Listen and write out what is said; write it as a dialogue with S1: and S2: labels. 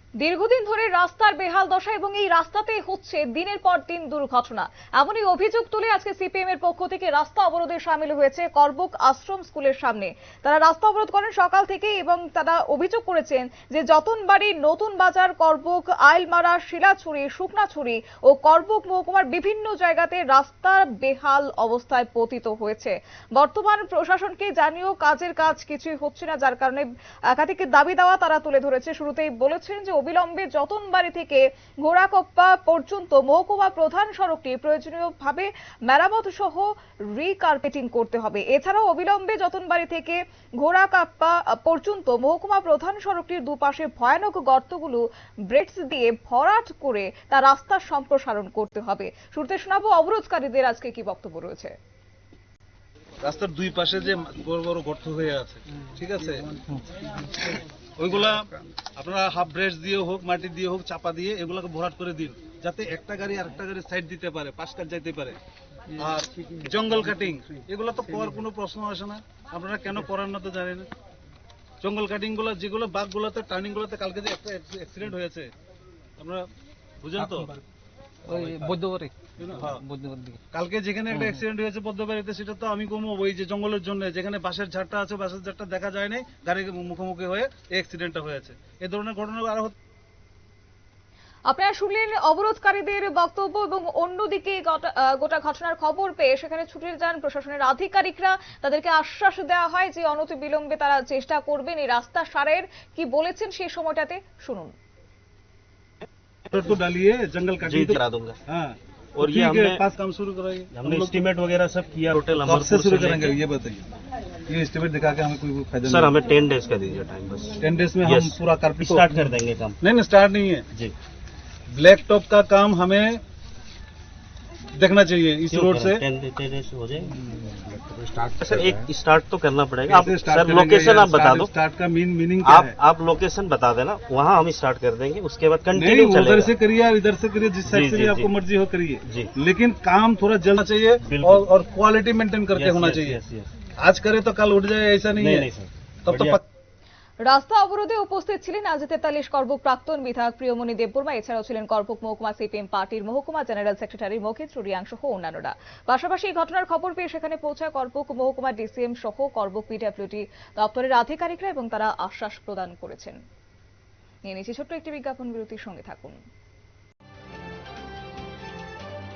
S1: দীর্ঘদিন ধরে রাস্তার বেহাল দশা এবং এই রাস্তাতেই হচ্ছে দিনের পর দিন দুর্ঘটনা। এমনই অভিযোগ তুলে আজকে সিপিএম এর পক্ষ থেকে রাস্তা অবরোধে সামিল হয়েছে করবুক আশ্রম স্কুলের সামনে। তারা রাস্তা অবরোধ করেন সকাল থেকে এবং তারা অভিযোগ করেছেন যে যতনবাড়ি, নতুন বাজার, করবুক, আইলমারা, শিলাছড়ি, শুকনাছড়ি ও করবুক মহকুমার বিভিন্ন জায়গাতে রাস্তার বেহাল অবস্থায় পতিত হয়েছে। বর্তমান প্রশাসনকে জানিয়েও কাজের কাজ কিছুই হচ্ছে না, যার কারণে একাধিক দাবি দাওয়া তারা তুলে ধরেছে। শুরুতেই বলেছেন যে অবিলম্বে যতনবাড়ি থেকে ঘোড়াকপ্পা পর্যন্ত মহকুমা প্রধান সড়কটি প্রয়োজনীয়ভাবে মেরামত সহ রিকার্পেটিং করতে হবে। এছাড়াও অবিলম্বে যতনবাড়ি থেকে ঘোড়াকপ্পা পর্যন্ত মহকুমা প্রধান সড়কটির দুপাশে ভয়ানক গর্তগুলো ব্রেডস দিয়ে ভরাট করে তা রাস্তার সম্প্রসারণ করতে হবে। শুরুতে শোনাবো অবরোধকারীদের আজকে কি বক্তব্য রয়েছে।
S2: রাস্তার দুই পাশে যে বড় বড় গর্ত হয়ে আছে, ঠিক আছে, ওইগুলা আপনারা হাফ ব্রেস দিয়ে হোক, মাটি দিয়ে হোক, চাপা দিয়ে এগুলাকে ভরাট করে দিন, যাতে একটা গাড়ি আরেকটা গাড়ি সাইড দিতে পারে, পাশ কাট যাইতে পারে। আর জঙ্গল কাটিং এগুলো তো করার কোনো প্রশ্ন আসে না। আপনারা কেন করার না তো জানেন না। জঙ্গল কাটিং গুলো যেগুলো বাঘগুলোতে টার্নিং গুলোতে কালকে যে একটা অ্যাক্সিডেন্ট হয়েছে আপনারা বুঝেন তো, কালকে যেখানে একটা অ্যাক্সিডেন্ট হয়েছে পদ্মবাড়িতে, সেটা তো আমি কমো ওই যে জঙ্গলের জন্য, যেখানে বাঁশের ঝাড়টা আছে, বাঁশের ঝাড়টা দেখা যায় নাই, গাড়ি মুখোমুখি হয়ে এই অ্যাক্সিডেন্টটা হয়েছে। এই ধরনের ঘটনা আরো।
S1: আপনারা শুনলেন অবরোধকারীদের বক্তব্য এবং অন্যদিকে গোটা ঘটনার খবর পেয়ে সেখানে ছুটে যান প্রশাসনের আধিকারিকরা। তাদেরকে আশ্বাস দেওয়া হয় যে অনতিবিলম্বে তারা চেষ্টা করবেন এই রাস্তা সারের। কি বলেছেন সেই সময়টাতে শুনুন।
S2: तो डालिए, जंगल काटिंग
S3: करा दूंगा।
S2: हाँ,
S3: और ये हमने
S2: पास काम शुरू कराइए।
S3: हमने एस्टीमेट वगैरह सब किया। टोटल
S2: कब से शुरू करेंगे ये बताइए। ये एस्टीमेट दिखा के हमें कोई फायदा
S3: सर,
S2: नहीं।
S3: हमें 10 डेज का दीजिए टाइम बस।
S2: 10 डेज में
S3: Yes.
S2: हम पूरा कारपेट
S3: स्टार्ट कर देंगे काम।
S2: नहीं स्टार्ट नहीं है
S3: जी,
S2: ब्लैक टॉप का काम हमें देखना चाहिए इस रोड से।
S3: 10 डेज हो जाए। सर एक स्टार्ट तो करना पड़ेगा। आप
S2: कैसे start
S3: सर
S2: करेंगे?
S3: लोकेशन आप बता दो।
S2: स्टार्ट का मीनिंग क्या है?
S3: आप लोकेशन बता देना, वहाँ हम स्टार्ट कर देंगे। उसके बाद
S2: नहीं,
S3: कंटिन्यू
S2: उधर से
S3: चलेगा।
S2: करिए और इधर से करिए, जिस साइड
S3: जी,
S2: से
S3: जी,
S2: भी आपको
S3: जी।
S2: मर्जी हो करिए,
S3: जी।
S2: लेकिन काम थोड़ा जल्द चाहिए
S3: बिल्कुल।
S2: और क्वालिटी मेंटेन करके
S3: Yes,
S2: होना
S3: yes,
S2: चाहिए।
S3: yes, yes।
S2: आज करे तो कल उठ जाए, ऐसा नहीं है।
S3: नहीं सर,
S2: तब तो
S3: बढ़िया।
S1: রাস্তা অবরোধে উপস্থিত ছিলেন আজ 43 করবুক প্রাক্তন বিধায়ক প্রিয়মণি দেববর্মা। এছাড়াও ছিলেন করবুক মহকুমা সিপিএম পার্টির মহকুমা জেনারেল সেক্রেটারি মখিত রিয়াং সহ অন্যান্যরা। পাশাপাশি এই ঘটনার খবর পেয়ে সেখানে পৌঁছায় করবুক মহকুমা ডিসিএম সহ করবুক পিডব্লিউডি দপ্তরের আধিকারিকরা এবং তারা আশ্বাস প্রদান করেছেন। নিয়ে নিচ্ছি ছোট্ট একটি বিজ্ঞাপন বিরতির সঙ্গে থাকুন।